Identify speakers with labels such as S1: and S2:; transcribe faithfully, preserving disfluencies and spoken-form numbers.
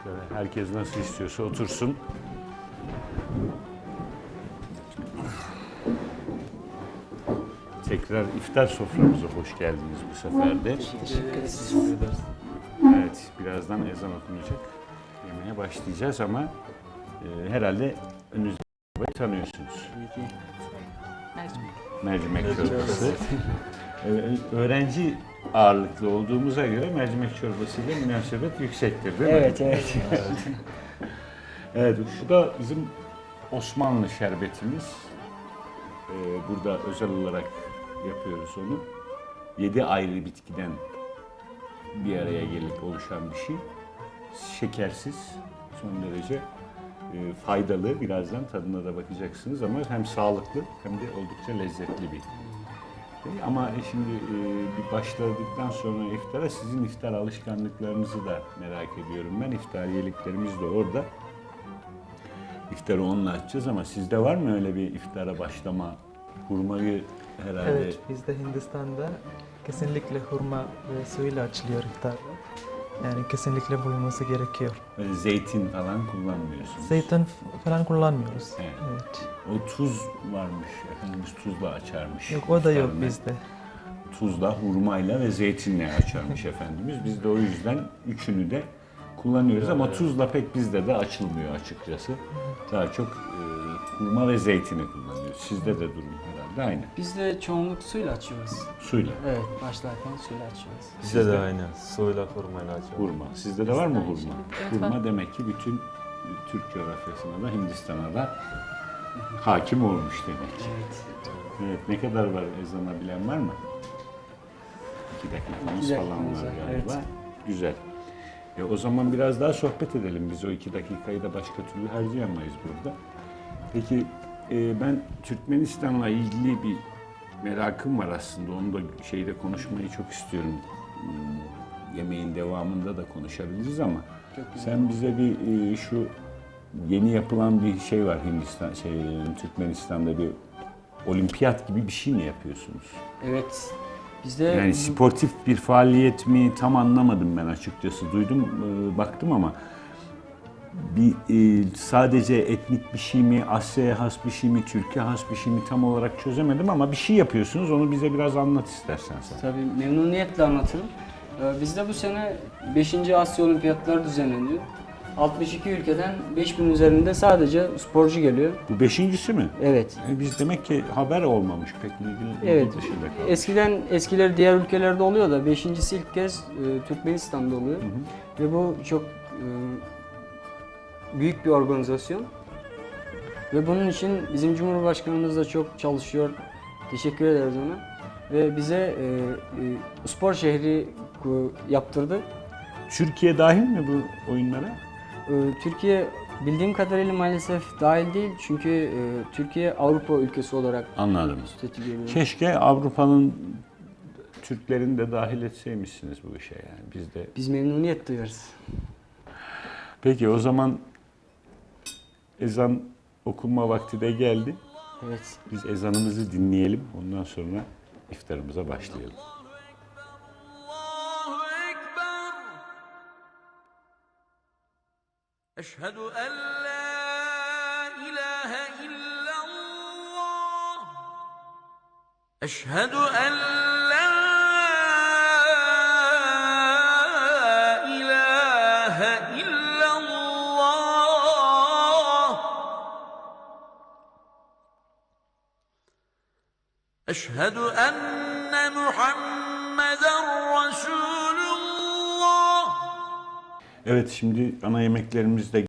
S1: Şöyle herkes nasıl istiyorsa otursun. Tekrar iftar soframıza hoş geldiniz bu sefer de.
S2: Teşekkür ederiz.
S1: Evet, birazdan ezan okunacak. Yemeğe başlayacağız ama e, herhalde önünüzde tanıyorsunuz. Mercimek çorbası. Ee, öğrenci ağırlıklı olduğumuza göre mercimek çorbasıyla münasebet yüksektir değil mi?
S2: Evet, evet.
S1: Evet, şu da bizim Osmanlı şerbetimiz. Ee, burada özel olarak yapıyoruz onu. Yedi ayrı bitkiden bir araya gelip oluşan bir şey. Şekersiz, son derece e, faydalı. Birazdan tadına da bakacaksınız ama hem sağlıklı hem de oldukça lezzetli bir şey. Ama şimdi e, bir başladıktan sonra iftara sizin iftar alışkanlıklarınızı da merak ediyorum ben. İftariyeliklerimiz de orada. İftarı onunla açacağız ama sizde var mı öyle bir iftara başlama? Hurmayı herhalde...
S3: Evet, bizde Hindistan'da kesinlikle hurma ve suyla açılıyor iftarda. Yani kesinlikle bulunması gerekiyor.
S1: Böyle zeytin falan kullanmıyorsunuz.
S3: Zeytin f- falan kullanmıyoruz.
S1: Evet.
S3: Evet.
S1: O tuz varmış, Efendimiz tuzla açarmış.
S3: Yok, o da yok
S1: iftarını.
S3: bizde.
S1: Tuzla, hurmayla ve zeytinle açarmış Efendimiz. Biz de o yüzden üçünü de kullanıyoruz ama tuzla pek bizde de açılmıyor açıkçası. Daha çok e, hurma ve zeytini kullanıyoruz. Sizde de durum herhalde aynı.
S2: Biz de çoğunluk suyla açıyoruz.
S1: Suyla,
S2: Evet, başlarken suyla açıyoruz.
S1: Sizde
S4: Bizde de
S1: de
S4: aynı. Suyla hurmayla açıyoruz.
S1: hurma. Sizde de var mı hurma?
S5: Evet,
S1: Hurma
S5: var.
S1: demek ki bütün Türk coğrafyasına da Hindistan'a da hakim olmuş demek ki.
S2: Evet.
S1: Evet, ne kadar var ezana bilen var mı? İki dakikamız
S2: İki
S1: falan
S2: dakikamız
S1: var
S2: var,
S1: galiba.
S2: evet.
S1: Güzel. E, o zaman biraz daha sohbet edelim. Biz o iki dakikayı da başka türlü harcayamayız burada. Peki e, ben Türkmenistan'la ilgili bir merakım var aslında. Onu da şeyde konuşmayı çok istiyorum. Hmm, Yemeğin devamında da konuşabiliriz ama
S2: Çok güzel.
S1: sen bize bir e, şu yeni yapılan bir şey var Hindistan, şey Türkmenistan'da bir olimpiyat gibi bir şey mi yapıyorsunuz?
S2: Evet. Bizde
S1: Yani sportif bir faaliyet mi tam anlamadım ben açıkçası. Duydum, e, baktım ama bir e, sadece etnik bir şey mi, Asya'ya has bir şey mi, Türkiye has bir şey mi tam olarak çözemedim ama bir şey yapıyorsunuz. Onu bize biraz anlat istersen sen.
S2: tabii memnuniyetle anlatırım. Ee, Bizde bu sene beşinci Asya Olimpiyatları düzenleniyor. altmış iki ülkeden beş bin üzerinde sadece sporcu geliyor.
S1: Bu beşincisi mi?
S2: Evet.
S1: E, biz demek ki haber olmamış pek ilgili
S2: Evet.
S1: ilgi dışında kalmış.
S2: Eskiden eskileri diğer ülkelerde oluyor da beşincisi ilk kez e, Türkmenistan'da oluyor. Ve bu çok e, büyük bir organizasyon. Ve bunun için bizim Cumhurbaşkanımız da çok çalışıyor. Teşekkür ederiz ona. Ve bize e, e, spor şehri e, yaptırdı.
S1: Türkiye dahil mi bu oyunlara?
S2: E, Türkiye bildiğim kadarıyla maalesef dahil değil. Çünkü e, Türkiye Avrupa ülkesi olarak
S1: Anladım.
S2: seçiliyor.
S1: Keşke Avrupa'nın Türklerini de dahil etseymişsiniz bu işe yani. Biz de.
S2: Biz memnuniyet duyarız.
S1: Peki o zaman ezan okunma vakti de geldi.
S2: Evet.
S1: Biz ezanımızı dinleyelim. Ondan sonra iftarımıza başlayalım.
S6: الله أكبر أشهد أن لا إله إلا الله أشهد أن لا إله إلا الله أشهد أن محمدا رسول الله
S1: Evet, şimdi ana yemeklerimiz de